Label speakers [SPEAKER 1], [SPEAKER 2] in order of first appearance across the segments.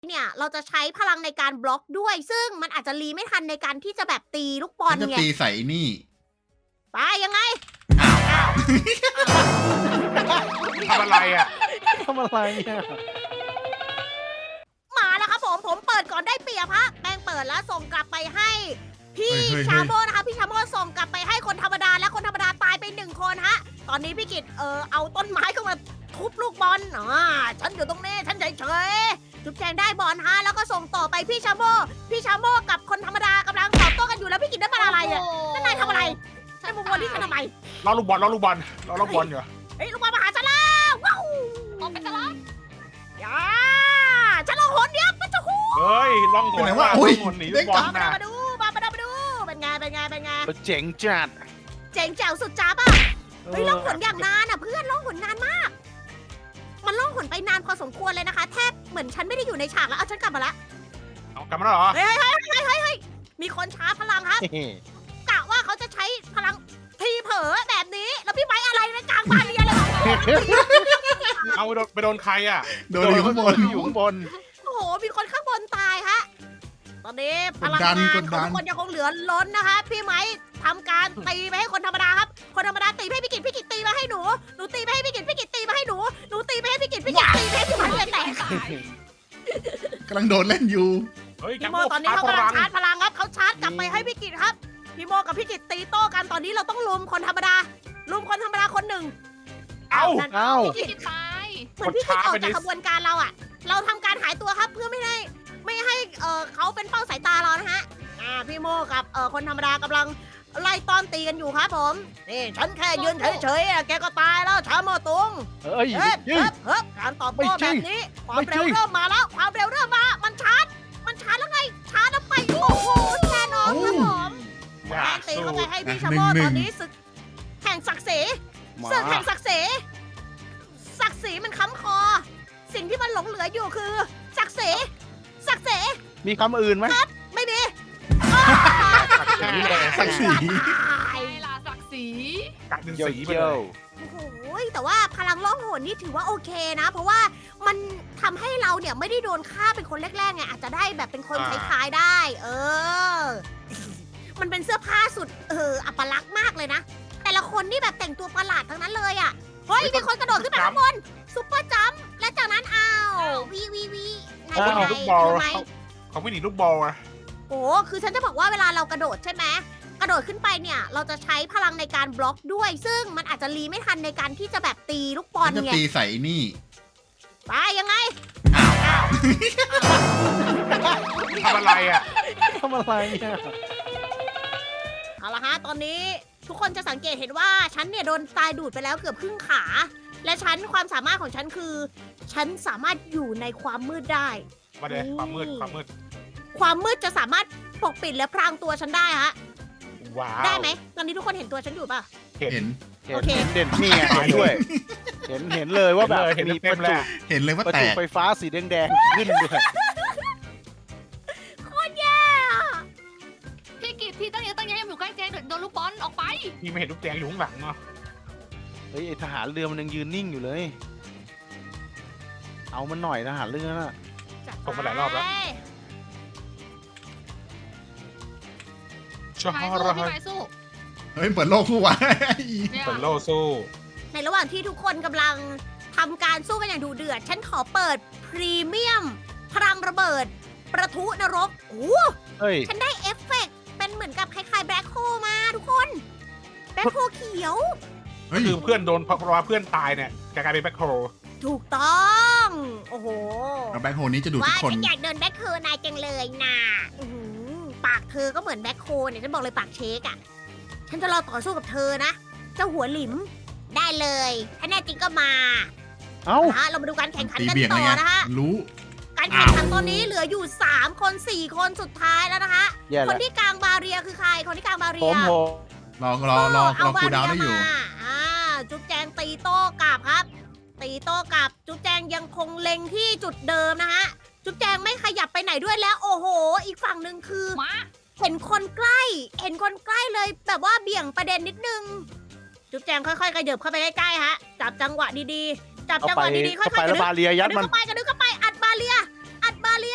[SPEAKER 1] เนี่ยเราจะใช้พลังในการบล็อกด้วย ซึ่งมันอาจจะรีไม่ทันในการที่จะแบบตีลูกบอล
[SPEAKER 2] ฉันจะ
[SPEAKER 1] ไง
[SPEAKER 2] ตีใส่นี่
[SPEAKER 1] ไปยังไง
[SPEAKER 3] ทำอะไรอ่ะ
[SPEAKER 4] ทำอะไรเนี่ย
[SPEAKER 1] มาแล้วครับผมเปิดก่อนได้เปรียบฮะแป้งเปิดแล้วส่งกลับไปให้พี่
[SPEAKER 2] เฮ้ย
[SPEAKER 1] ชาโมนะคะพี่ชาโมส่งกลับไปให้คนธรรมดาและคนธรรมดาตายไป1 คนฮะตอนนี้พี่กิตเอาต้นไม้เข้ามาทุบลูกบอลฉันอยู่ตรงนี้ฉันเฉยๆจุ๊บแจงได้บอลฮะแล้วก็ส่งต่อไปพี่ชาโมกับคนธรรมดากำลังตอบโต้กันอยู่แล้วพี่กิตได้มาอะไรอ่ะนั่นนายทำอะไรนายมุมบอลที่ฉันทำไม
[SPEAKER 3] ล้อลูกบอลอยู่
[SPEAKER 1] เฮ้ยลูกบอลมาหาฉันแล้วว้าวออกไปซะละอย่าฉันลองหนเดียวมันจะหู
[SPEAKER 3] เฮ้ยล่องหน
[SPEAKER 2] เป็นไง
[SPEAKER 3] ว่ะ
[SPEAKER 2] วะอุ้
[SPEAKER 3] ล่
[SPEAKER 2] ย
[SPEAKER 3] องหนหนีลูกบอล
[SPEAKER 1] มา
[SPEAKER 3] นะ
[SPEAKER 1] ดูเป็นไง
[SPEAKER 4] เจ๋งจัด
[SPEAKER 1] เจ๋งแจ๋วสุดจ้าป่ะเฮ้ยล่องหนอย่างนานอ่ะเพื่อนล่องหนนานมาก มันล่องหนไปนานพอสมควรเลยนะคะแทบเหมือนฉันไม่ได้อยู่ในฉากแล้วเอาฉันกลับมาละ
[SPEAKER 3] เอากลับมาแล้วเหรอ
[SPEAKER 1] เฮ้ยมีคนช้าพลังครับกะว่าเขาจะใช้พลังทีเผลอแบบนี้แล้วพี่ไม้อะไรในกลางบานเรียนเลย
[SPEAKER 3] เอาไปโดนใครอ่ะ
[SPEAKER 2] โดนอยู่ข้างบน
[SPEAKER 4] อยู่ข้างบน
[SPEAKER 1] โอ้โหมีคนข้างบนตายฮะตอนนี้พลังงานของทุกคนยังคงเหลือล้นนะคะพี่ไม้ทำการตีไปให้คนธรรมดาครับคนธรรมดาตีไปให้พี่กิตตีมาให้หนูตีไปให้พี่กิตตีมาให้หนูตีไปให้พี่กิตตีไปให้พี่ไม้เลยแตก
[SPEAKER 2] กำลังโดนเล่นอยู่
[SPEAKER 3] เฮ้ย
[SPEAKER 1] พี่โมตอนนี้เขากำลังชาร์จพลังครับเขาชาร์จกลับไปให้พี่กิตครับพี่โมกับพี่กิตตีโต้กันตอนนี้เราต้องลุมคนธรรมดาคนหนึ่ง
[SPEAKER 3] เอา
[SPEAKER 1] พี่กิตตายเหมือนพี่กิตออกจากขบวนการเราอะเราทำการหายตัวครับเพื่อไม่ให้เขาเป็นเป้าสายตาเรานะฮะพี่โมกับคนธรรมดากำลังไล่ต้อนตีกันอยู่ครับผมนี่ฉันแค่ยืนเฉยๆแกก็ตายแล้วชาโมตุง
[SPEAKER 4] เฮ้ย
[SPEAKER 1] เฮ้ย
[SPEAKER 4] ยิง
[SPEAKER 1] การตอบโต้แบบนี้ความเร็วเริ่มมาแล้วมันชาร์จแล้วไงชาร์จแล้วไปโอ้โหแน่นอนครับผม
[SPEAKER 3] อย่า
[SPEAKER 1] แป้งตี
[SPEAKER 3] สู้
[SPEAKER 1] เข้าไปให้พี่ชาโมตอนนี้ศึกแข่งศักดิ์ศรี
[SPEAKER 4] มา
[SPEAKER 1] ศึกแห่งศักดิ์ศรีมันค้ำคอ สิ่งที่มันหลงเหลืออยู่คือศักดิ์ศรี
[SPEAKER 4] มีคำอื่นไหม
[SPEAKER 1] ไม่มี
[SPEAKER 2] ศักดิ์ศรี
[SPEAKER 1] ตาย
[SPEAKER 5] ล่ะศักดิ์ศรี
[SPEAKER 3] กักดึง
[SPEAKER 4] เกี่ยว
[SPEAKER 3] สีไป
[SPEAKER 4] เกี่
[SPEAKER 3] เลย
[SPEAKER 4] วย
[SPEAKER 1] โอ้โหแต่ว่าพลังล่องหนนี่ถือว่าโอเคนะ เพราะว่ามันทำให้เราเนี่ยไม่ได้โดนฆ่าเป็นคนแรกๆไงอาจจะได้แบบเป็นคนท้ายๆได้ มันเป็นเสื้อผ้าสุดอัปลักษณ์มากเลยนะ แต่ละคนนี่แบบแต่งตัวประหลาดทั้งนั้นเลยอ่ะเฮ้ยมีคนกระโดดขึ้นไปข้างบนซุปเปอร์จัมป์และจากนั้นวีนายเป็นไง
[SPEAKER 3] ลูกบอล
[SPEAKER 1] ทำไม
[SPEAKER 3] เขาไม่หนีลูกบอลอะ
[SPEAKER 1] โอ้คือฉันจะบอกว่าเวลาเรากระโดดใช่ไหมกระโดดขึ้นไปเนี่ย เราจะใช้พลังในการบล็อกด้วย ซึ่งมันอาจจะรีไม่ทันในการที่จะแบบตีลูกบอ
[SPEAKER 2] ฉั
[SPEAKER 1] ล
[SPEAKER 2] นจะ
[SPEAKER 1] ไง
[SPEAKER 2] ตีใส่นี่
[SPEAKER 1] ไปยังไง
[SPEAKER 3] ทำอะไรอ่ะ
[SPEAKER 4] ทำอะไรเนี่ย
[SPEAKER 1] เอาละฮะตอนนี้ทุกคนจะสังเกตเห็นว่าฉันเนี่ยโดนทรายดูดไปแล้วเกือบครึ่งขา และความสามารถของฉันคือ ฉันสามารถอยู่ในความมืดได้
[SPEAKER 3] มาเดี๋ยวความมืด
[SPEAKER 1] ความมืดจะสามารถปกปิดและพรางตัวฉันได้ฮะ
[SPEAKER 3] ว้าว
[SPEAKER 1] ได้ไหมตอนนี้ทุกคนเห็นตัวฉันอยู่ป่ะ
[SPEAKER 3] เห็
[SPEAKER 2] เห็
[SPEAKER 3] น
[SPEAKER 2] น
[SPEAKER 1] โอเค
[SPEAKER 4] เห็นเด่นนี่ไงเห็นด้วย เห็นเลยว่าแบบ
[SPEAKER 3] เห็นเลย
[SPEAKER 4] มี
[SPEAKER 3] เห็น
[SPEAKER 4] ป
[SPEAKER 3] เต็
[SPEAKER 4] ระ
[SPEAKER 3] มๆ
[SPEAKER 4] จุ
[SPEAKER 3] เลย
[SPEAKER 2] เห็นเลยว่า
[SPEAKER 4] ประ
[SPEAKER 2] แต
[SPEAKER 4] จุ
[SPEAKER 2] ก
[SPEAKER 4] ไฟฟ้าสีแดงๆขึ้นด้วย
[SPEAKER 1] โคตรแย่อะ
[SPEAKER 5] พี่กิตพี่ตั้งใจให้อยู่ใกล้เจนโดนลูกบอลออกไป
[SPEAKER 3] พี่ไม่เห็นลูกแจงอยู่ข้างหลังเนาะ
[SPEAKER 4] เฮ้ยไอทหารเรือมันยังยืนนิ่งอยู่เลย เอามันหน่อยทหารเรือน่ะ
[SPEAKER 3] ส่งมาหลายรอบแล้วชอ
[SPEAKER 5] พี่
[SPEAKER 3] บ
[SPEAKER 5] ไม้สู้พี่ไม้สู้
[SPEAKER 2] เฮ้ยเปิดโลกคู่วะ
[SPEAKER 5] เนี่ย
[SPEAKER 3] เป็นโลสู้
[SPEAKER 1] ในระหว่างที่ทุกคนกำลังทำการสู้กันอย่างดุเดือด ฉันขอเปิดพรีเมียม พลังระเบิด ประทุนรกโอ้
[SPEAKER 4] เฮ้ย
[SPEAKER 1] ฉันได้เอฟเฟกต์เป็นเหมือนกับคล้ายๆแบล็คโฮมาทุกคน แบล็คโฮเขียว
[SPEAKER 2] เฮ้ย
[SPEAKER 3] คือเพื่อนโดนเพราะว่าเพื่อนตายเนี่ยกลายเป็นแบ็คโฮ
[SPEAKER 1] ถูกต้อง โอ้โห
[SPEAKER 2] แล้วแบ็คโฮนี้จะดูดทุ
[SPEAKER 1] ว่าก
[SPEAKER 2] คน
[SPEAKER 1] ฉันอยากเดินแบ็คโฮนายจังเลยนะอื้อหือปากเธอก็เหมือนแบ็คโฮเนี่ยฉันบอกเลยปากเชคอะฉันจะรอต่อสู้กับเธอนะ เจ้าหัวหลิม ได้เลย ถ้าแน่จริงก็มา
[SPEAKER 4] เอ้า
[SPEAKER 1] นะฮะเรามาดูการแข่งขัน
[SPEAKER 2] ตี
[SPEAKER 1] กัน
[SPEAKER 2] เบี่ยง
[SPEAKER 1] ต่
[SPEAKER 2] อะไร
[SPEAKER 1] อ
[SPEAKER 2] ไง
[SPEAKER 1] นะคะ
[SPEAKER 2] รู้
[SPEAKER 1] การแข่งขันตอนนี้เหลืออยู่ 3 คน 4 คนสุดท้ายแล้วนะคะ
[SPEAKER 4] แย่
[SPEAKER 1] คน
[SPEAKER 4] แล้ว
[SPEAKER 1] ที่กลางบาเรียคือใคร คนที่กลางบาเรี
[SPEAKER 4] ผ
[SPEAKER 1] ย
[SPEAKER 4] ม
[SPEAKER 2] รอคูลดาวน์ได้อยู่
[SPEAKER 1] มาจุ๊บแจงตีโต้กลับครับ ตีโต้กลับ จุ๊บแจงยังคงเล็งที่จุดเดิมนะฮะ จุ๊บแจงไม่ขยับไปไหนด้วยแล้ว โอ้โห อีกฝั่งหนึ่งคือ
[SPEAKER 5] มา
[SPEAKER 1] เห็นคนใกล้ เลยแบบว่าเบี่ยงประเด็นนิดนึง จุ๊บแจงค่อยๆกระเดิบเข้าไปใกล้ๆฮะ จับจังหวะดีๆ จับ
[SPEAKER 4] เอา
[SPEAKER 1] จังห
[SPEAKER 4] ไป
[SPEAKER 1] วะดีๆ ค่อยๆ
[SPEAKER 4] เอาไป
[SPEAKER 1] ก
[SPEAKER 4] แล้ว
[SPEAKER 1] ระดึ๊
[SPEAKER 4] บาเรียยัดมัน
[SPEAKER 1] กระดึ๊บเข้าไป อัดบาเรีย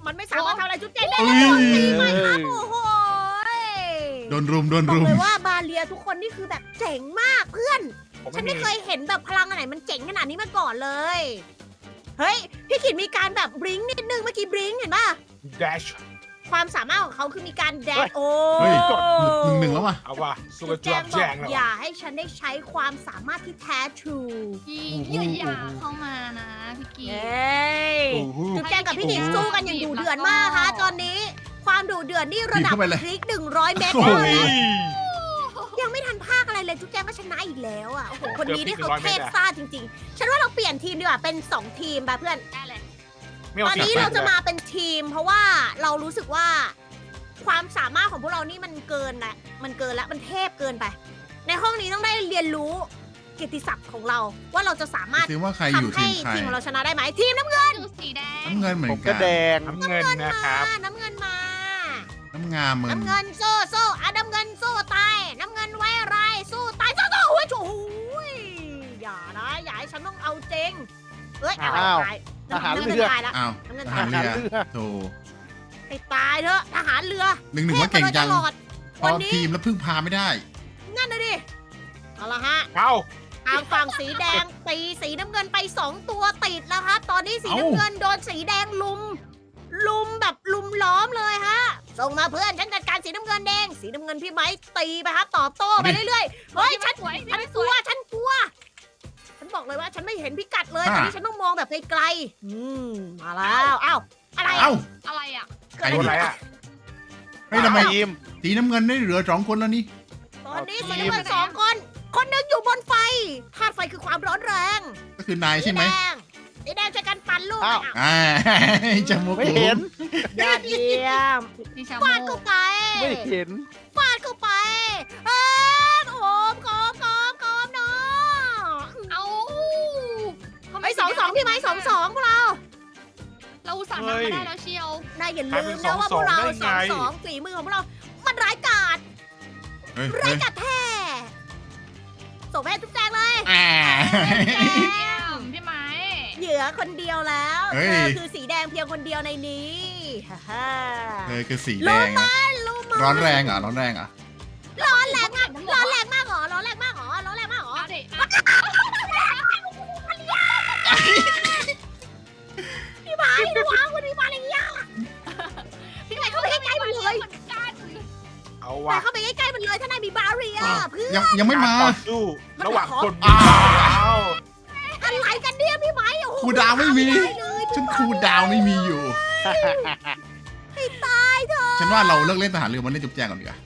[SPEAKER 1] มันไม่สามารถทำอะไรจุ๊บแจงได้
[SPEAKER 2] เอ้
[SPEAKER 1] เลย
[SPEAKER 2] ย
[SPEAKER 1] โดนตีไหมครับโอ้โห
[SPEAKER 2] โดนรุม
[SPEAKER 1] บอกเลยว่าบาเลียทุกคนนี่คือแบบเจ๋งมากเพื่อน
[SPEAKER 3] ผม
[SPEAKER 1] ฉัน
[SPEAKER 3] ไม่
[SPEAKER 1] ไม่
[SPEAKER 3] มี
[SPEAKER 1] เคยเห็นแบบพลังอันไหนมันเจ๋งขนาดนี้มาก่อนเลย เฮ้ย พี่ขิดมีการแบบบลิงก์นิดนึงเมื่อกี้บลิงก์เห็นป่ะ
[SPEAKER 3] dash
[SPEAKER 1] ความสามารถของเขาคือมีการแด
[SPEAKER 3] เฮ้
[SPEAKER 1] ด
[SPEAKER 3] ย
[SPEAKER 1] โอ้
[SPEAKER 2] เฮ้ยหนึ่งแล้วว่ะ
[SPEAKER 3] เอาว่ะสู้
[SPEAKER 1] จุ
[SPEAKER 3] กั
[SPEAKER 1] ด
[SPEAKER 3] บ
[SPEAKER 1] แจ
[SPEAKER 3] จั
[SPEAKER 1] ง
[SPEAKER 3] บบ
[SPEAKER 1] อ
[SPEAKER 3] แจ
[SPEAKER 1] ก
[SPEAKER 3] งแล้ว
[SPEAKER 1] อย่าให้ฉันได้ใช้ความสามารถที่แท้ทรู
[SPEAKER 5] พี่อย่าเข้ามานะพี่กี
[SPEAKER 1] เย้ย
[SPEAKER 3] โอ้โห
[SPEAKER 1] จุดแจงกับพี่หนิงสู้กันอย่างดุเดือดมากค่ะตอนนี้ ความดุเดือดนี่ระดับ
[SPEAKER 2] เข้าไปเลย
[SPEAKER 1] พลิก100 เมตร
[SPEAKER 2] โอ้โห
[SPEAKER 1] แล้วยังไม่ทันภาคอะไรเลยจุ๊บแจงก็ชนะอีกแล้วอ่ะโอ้โหคนนี้นี่เขาเทพซ่าจริงๆ ฉันว่าเราเปลี่ยนทีมดีกว่าเป็น2 ทีมไปเพื่อน
[SPEAKER 5] ได้เลย
[SPEAKER 3] ไม่
[SPEAKER 1] ต
[SPEAKER 3] เอา
[SPEAKER 1] อนนี้
[SPEAKER 3] สียง
[SPEAKER 1] เราจะ
[SPEAKER 3] ลย
[SPEAKER 1] มาเป็นทีม เพราะว่าเรารู้สึกว่า ความสามารถของพวกเรานี่มันเกินละมันเกินละมันเทพเกินไป ในห้องนี้ต้องได้เรียนรู้เกียรติศักดิ์ของเรา ว่าเราจะสามารถ
[SPEAKER 2] ซิว่าใครอยู่
[SPEAKER 1] ทำให้
[SPEAKER 2] ทีมใคร
[SPEAKER 1] ทีมของเราชนะได้ไหมทีมน้ำเงิน
[SPEAKER 5] คือสีแดง
[SPEAKER 2] น้ำเงินเหมือ
[SPEAKER 4] ผม
[SPEAKER 2] น
[SPEAKER 4] ก็
[SPEAKER 2] กัน
[SPEAKER 4] แดง
[SPEAKER 3] น้ำเงินนะครับ
[SPEAKER 1] น้ำเงินมา
[SPEAKER 2] น้ำงามมึง
[SPEAKER 1] น้ำเงินสู้สู้อ่ะน้ำเงินสู้ตายน้ำเงินไว้อะไรสู้ตายสู้สู้โอ้ยโอ้ยอย่านะอย่าให้ฉันต้องเอาจริงเอ้ยอะไร
[SPEAKER 4] อ้าว
[SPEAKER 1] ตาย
[SPEAKER 4] ทหาร
[SPEAKER 1] น้ำ
[SPEAKER 4] เรื
[SPEAKER 1] เงิน
[SPEAKER 4] อ
[SPEAKER 1] ตายละ
[SPEAKER 2] อ้าว
[SPEAKER 1] น้ำเงิน
[SPEAKER 2] ท
[SPEAKER 1] ตา
[SPEAKER 2] หาย ร
[SPEAKER 4] ทหาร
[SPEAKER 2] เรือ
[SPEAKER 4] เรือ
[SPEAKER 2] โธ่
[SPEAKER 1] ให้ตายเถอะทหารเรือ
[SPEAKER 2] หนึ่งว่าเก่งจัง
[SPEAKER 1] ทพมาโดยตลอด
[SPEAKER 2] พอทีมแล้วพึ่งพาไม่ได้
[SPEAKER 1] นั่นนะดิเอาละฮะ
[SPEAKER 3] เอา
[SPEAKER 1] ทางฝั่งสีแดงตีสีน้ำเงินไป2 ตัวติดแล้วครับตอนนี้สีน้ำเงินโดนสีแดงลุมแบบลุมล้อมเลยฮะส่งมาเพื่อนฉันจัดการสีน้ำเงินแดงสีน้ำเงินพี่ไม้ตีไปครับตอบโต้ไปเรื่อยๆเฮ้ยฉัน
[SPEAKER 5] สวย
[SPEAKER 1] ฉัน
[SPEAKER 5] ส
[SPEAKER 1] กลั
[SPEAKER 5] ว
[SPEAKER 1] วย ฉันกลัว ฉันบอกเลยว่าฉันไม่เห็นพิกัดเลย
[SPEAKER 2] อ่า
[SPEAKER 1] ตอนนี้ฉันต้องมองแบบไกลๆมาแล้วอ้าวอะไร
[SPEAKER 2] เอ้า
[SPEAKER 5] อะไรอ่ะ
[SPEAKER 1] เกิด
[SPEAKER 3] โดน
[SPEAKER 1] อะไร
[SPEAKER 3] อะไร
[SPEAKER 1] ขึ้น
[SPEAKER 3] อ่ะ
[SPEAKER 2] เฮ้ยทำไม
[SPEAKER 4] ทีม
[SPEAKER 2] สีน้ำเงินได้เหลือ2 คนแล้วนี่
[SPEAKER 1] ตอนนี้
[SPEAKER 4] เอา
[SPEAKER 1] สี
[SPEAKER 4] ทีม
[SPEAKER 1] น้ำเงิน2 คนคนหนึงอยู่บนไฟธาตุไฟคือความร้อนแรง
[SPEAKER 2] ก็คือนายใช่ไหม
[SPEAKER 1] สีแดงช่วยกันปั่นลูก
[SPEAKER 4] อ้าว
[SPEAKER 2] อ่าจมูก
[SPEAKER 4] ไม่เห็น
[SPEAKER 1] ยอดเยี่ยม
[SPEAKER 5] พี่ชา
[SPEAKER 1] ฟาด
[SPEAKER 5] โม
[SPEAKER 1] เข้าไป
[SPEAKER 4] ไม่เห็น
[SPEAKER 1] ฟาดเข้าไปเออโอมโกมเนาะ
[SPEAKER 5] เอาทำ
[SPEAKER 1] ไอ้2-2พี่ไม้2-2พวกเรา
[SPEAKER 5] เราอุตส่าห์นำมาได้แล้วเชียว
[SPEAKER 1] นายอย่าลืมนะว่าพวกเรา2-2ฝีมือของพวกเรา มันร้ายกาจ
[SPEAKER 2] เฮ้ย
[SPEAKER 1] ร้ายกาจแท้ส่งให้ทุกแจงเลย
[SPEAKER 2] อ่า
[SPEAKER 5] เยี่ยมพี่ไม้
[SPEAKER 1] เหยื่อคนเดียวแล้ว
[SPEAKER 2] เฮ้
[SPEAKER 1] เธ
[SPEAKER 2] ย
[SPEAKER 1] อคือสีแดงเพียงคนเดียวในนี้ฮ่าฮ่า
[SPEAKER 2] เธอคือสีแดงนะ
[SPEAKER 1] รู้มั้ย
[SPEAKER 2] ร้อนแรงเหรอร้อนแรงเหรอ
[SPEAKER 1] ร้อนแรงมากร้อนแรงมากเหรอร้อนแรงมากเหรอร้อนแรงมากเหรอ
[SPEAKER 5] เอาดิ
[SPEAKER 1] พี่ไม้ระวังคุณพี่ไม้อะไรเงี้ย
[SPEAKER 5] พี่ไม้
[SPEAKER 1] เข้าไปใกล้ๆมันเลย
[SPEAKER 5] เหมือนกัน
[SPEAKER 3] เอา
[SPEAKER 1] แต่
[SPEAKER 3] ว่ะ
[SPEAKER 1] เข้าไปใกล้ๆมันเลยถ้านายมีบาเรียเพื่อ
[SPEAKER 2] ยังไม่มา
[SPEAKER 3] ต่อสู้ระหว่างคน
[SPEAKER 2] อ้าว
[SPEAKER 1] อะไรกันเนี่ยพี่ไม้โอ้โห
[SPEAKER 2] ครูดาวไม่มี
[SPEAKER 1] ด้เลย
[SPEAKER 2] ฉันครูดาวไม่มีอยู่
[SPEAKER 1] ให้ตายเถอะ
[SPEAKER 2] ฉันว่าเราเลิกเล่นทหารเรือมาเล่นจุ๊บแจงก่อนดีกว่า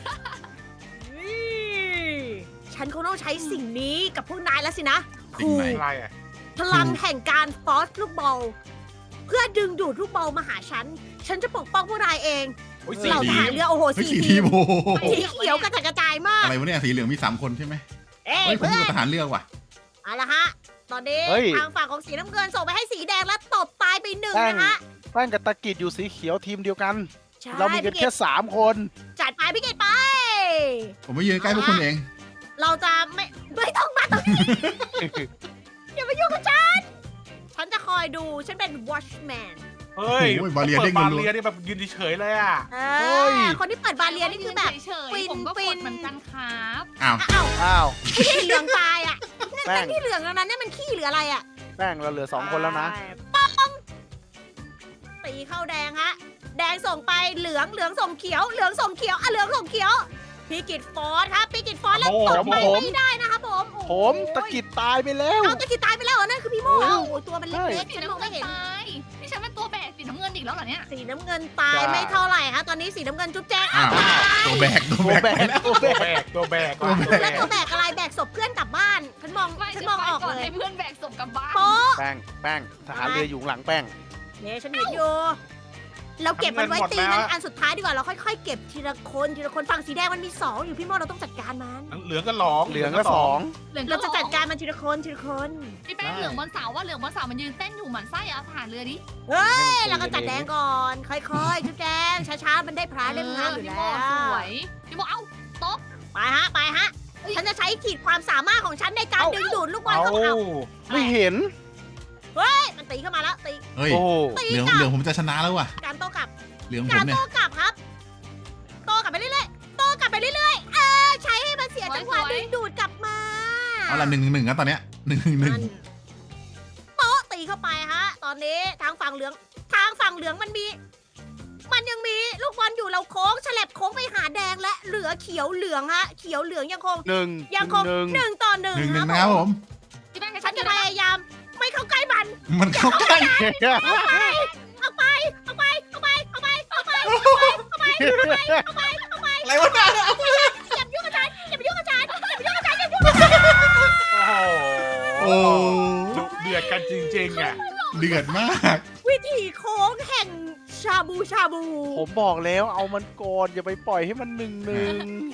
[SPEAKER 1] ฉันคงต้องใช้สิ่งนี้กับพวกนายแล้วสินะ
[SPEAKER 2] สิ่งไหน
[SPEAKER 3] อะไรอ่ะ
[SPEAKER 1] พลังแห่งการฟอสลูกบอลเพื่อดึงดูดลูกบอลมาหาฉัน ฉันจะปกป้องพวกนายเอง
[SPEAKER 3] โอ้ย
[SPEAKER 2] สี
[SPEAKER 1] เหล่าทหารเรือโอ้โห
[SPEAKER 2] เฮ้ย
[SPEAKER 1] สี
[SPEAKER 2] สี
[SPEAKER 1] ที
[SPEAKER 2] ที
[SPEAKER 1] ม
[SPEAKER 2] มโอ้โห
[SPEAKER 1] สีเขียวกระจายมาก
[SPEAKER 2] อะไรวะเนี่ยสีเหลืองมี3 คนใช่ไหม
[SPEAKER 1] เอ้ย
[SPEAKER 2] เฮ้ยผม
[SPEAKER 1] เพื่
[SPEAKER 2] อ
[SPEAKER 1] อยู่ น
[SPEAKER 2] ทหารเรือว่ะ
[SPEAKER 1] เอาละฮะ ตอนนี้
[SPEAKER 4] เฮ้ย
[SPEAKER 1] ทางฝั่งของสีน้ำเงินส่งไปให้สีแดงแล้วตบตายไป1นะฮะ
[SPEAKER 4] แป้งกับตะกิดอยู่สีเขียวทีมเดียวกัน
[SPEAKER 1] ใช่
[SPEAKER 4] เรามีกัน
[SPEAKER 1] พี่
[SPEAKER 4] แค่
[SPEAKER 1] กิต
[SPEAKER 4] 3 คน
[SPEAKER 1] จัดไปพี่เกดไป
[SPEAKER 2] ผมไม่ยืนใกล้พวกคุณเอง
[SPEAKER 1] เราจะไม่ต้องมาตรงนี้ อย่ามายุ่งกับฉัน ฉันจะคอยดู ฉันเป็น watchman
[SPEAKER 3] เฮ้ย
[SPEAKER 2] โอ้ยบาเรีย
[SPEAKER 3] ปิ
[SPEAKER 2] เด้ง
[SPEAKER 3] บา
[SPEAKER 2] รัว
[SPEAKER 3] เรียนี่แบบยืนเฉยๆเลยอ่ะ
[SPEAKER 1] เฮ้ย คนที่เปิดบาเรียนี่คือแบบ
[SPEAKER 5] เฉย
[SPEAKER 1] ฟิน
[SPEAKER 5] ๆผมก็
[SPEAKER 1] ฟิ
[SPEAKER 5] ก
[SPEAKER 1] น
[SPEAKER 5] ดเหมือนกันครับ
[SPEAKER 2] อ้าว
[SPEAKER 1] อ้าว
[SPEAKER 4] อ้าว
[SPEAKER 1] ขี้เหลืองตายอ่ะ
[SPEAKER 4] แป้ง
[SPEAKER 1] ที่เหลืองอันนั้นเนี่ยมันขี้หรืออะไรอ่ะ
[SPEAKER 4] แป้งเราเหลือ 2 คนแล้วนะ
[SPEAKER 1] ป้องตีเข้าแดงฮะ แดงส่งไปเหลืองเหลืองส่งเขียว เหลืองส่งเขียวอ่ะเหลืองส่งเขียวพี่กิตฟอสครับพี่กิตฟอสแล้วตบไป
[SPEAKER 4] ผม
[SPEAKER 1] ไม่ได้นะครับผมโอ้โห
[SPEAKER 4] ผมตะกิดตายไปแล้ว
[SPEAKER 1] เอาตะกิดตายไปแล้วเหรอนั่นคือพี่โม่
[SPEAKER 4] เออ
[SPEAKER 1] โอ้ยตัวมันเล็กๆ
[SPEAKER 5] สี
[SPEAKER 1] ฉันม
[SPEAKER 5] น้ำ
[SPEAKER 1] อง
[SPEAKER 5] เงิ
[SPEAKER 1] ไม่
[SPEAKER 5] น
[SPEAKER 1] เห็น
[SPEAKER 5] ตายนี่ฉันเป็นตัวแบกสีน้ำเงินอีกแล้วเหรอเนี่ย
[SPEAKER 1] สีน้ำเงินตาย
[SPEAKER 4] ใช่
[SPEAKER 1] ไม่เท่าไหร่ฮะตอนนี้สีน้ำเงินจุ๊บแจ๊ก
[SPEAKER 2] อ้าว
[SPEAKER 1] ตาย
[SPEAKER 2] ตัวแบกตัว
[SPEAKER 4] ตัว
[SPEAKER 2] แบ
[SPEAKER 4] แบ
[SPEAKER 2] ก
[SPEAKER 4] กตัวแบ
[SPEAKER 3] ตัวแบ
[SPEAKER 4] ก
[SPEAKER 3] กตัวแบก
[SPEAKER 1] แล้วตัวแบกอะไรแบกศพเพื่อนกลับบ้านฉันมอง
[SPEAKER 5] ไม่
[SPEAKER 1] ฉัน
[SPEAKER 5] จะ
[SPEAKER 1] มอง
[SPEAKER 5] ไป
[SPEAKER 1] ออก
[SPEAKER 5] ก่อน
[SPEAKER 1] เลย
[SPEAKER 5] ให้เพื่อนแบกศพกลับบ้าน
[SPEAKER 1] โป๊ะ
[SPEAKER 4] แป้งทหารเรืออยู่หลังแป้ง
[SPEAKER 1] เนี่ยฉันเห็นอยู่เราเก็บมันไว้ตีมันอันสุดท้ายดีกว่าเราค่อยๆเก็บทีละคนทีละคนฝั่งสีแดงมันมี2อยู่พี่โม่เราต้องจัดการมัน
[SPEAKER 3] เหลืองก็หลอง
[SPEAKER 4] เหลืองก็ 2
[SPEAKER 5] เหลือง
[SPEAKER 1] เราจะจัดการมันทีละคนทีละคน
[SPEAKER 5] พี่แป้งเหลืองบนเสาว่าเหลืองบนเสามันยืนเต้นอยู่หมันไส้เอาทหารเรือดิ
[SPEAKER 1] เฮ้ยเราก็จัดแดงก่อนค่อยๆจุ๊บแจงช้าๆมันได้พระเล่มงามอยู่
[SPEAKER 5] พี่
[SPEAKER 1] แล้
[SPEAKER 5] โม
[SPEAKER 1] ว
[SPEAKER 5] สวยพี่โมเอ้าตบ
[SPEAKER 1] ไปฮะฉันจะใช้ขีดความสามารถของฉันในการดึงดูดลูกบอล
[SPEAKER 3] เอา
[SPEAKER 1] เข้ามา
[SPEAKER 4] ไม่เห็น
[SPEAKER 1] เฮ้ยมันตีเข้ามาแล้วตี
[SPEAKER 2] เฮ้ย
[SPEAKER 4] โอ้
[SPEAKER 1] ตี
[SPEAKER 2] เหลือง
[SPEAKER 1] กลั
[SPEAKER 2] เหลื
[SPEAKER 1] บ
[SPEAKER 2] องผมจะชนะแล้วว่ะ
[SPEAKER 1] การโต้กลับ
[SPEAKER 2] เหลืองผ
[SPEAKER 1] กาม ร
[SPEAKER 2] เนี่ย
[SPEAKER 1] โต้กลับครับโต้กลับไปเรื่อยๆโต้กลับไปเรื่อยๆใช้ให้มันเสียจังหวะดึงดูดกลับมา
[SPEAKER 2] เอาละ1-1นะตอนเนี้ย1-1
[SPEAKER 1] นั่นโต๊ะตีเข้าไปฮะ ตอนนี้ทางฝั่งเหลืองมันยังมีลูกบอลอยู่เราโค้งฉลับโค้งไปหาแดงและเหลือเขียวเหลืองฮะ เขียวเหลืองยังคง
[SPEAKER 4] หนึ่ง
[SPEAKER 1] ยังคง
[SPEAKER 4] หนึ่ง
[SPEAKER 1] 1-1
[SPEAKER 2] 1-1
[SPEAKER 1] ครับ
[SPEAKER 2] นะครับผม
[SPEAKER 5] พี่แป้ง
[SPEAKER 1] ฉันจะพยายามไม่เข้าใกล้มัน
[SPEAKER 2] มันเข้าใกล้
[SPEAKER 1] เอาไป
[SPEAKER 2] อะไรวะเนี่ย
[SPEAKER 1] อย่ายุ่งกับฉันอย่าไปยุ่งกับฉัน
[SPEAKER 3] โอ้โห
[SPEAKER 2] โอ้
[SPEAKER 3] ดุเดือดกันจริงๆอ่ะ
[SPEAKER 2] เดือดมาก
[SPEAKER 1] วิธีโค้งแห่งชาบู
[SPEAKER 4] ผมบอกแล้วเอามันก่อนอย่าไปปล่อยให้มัน1-1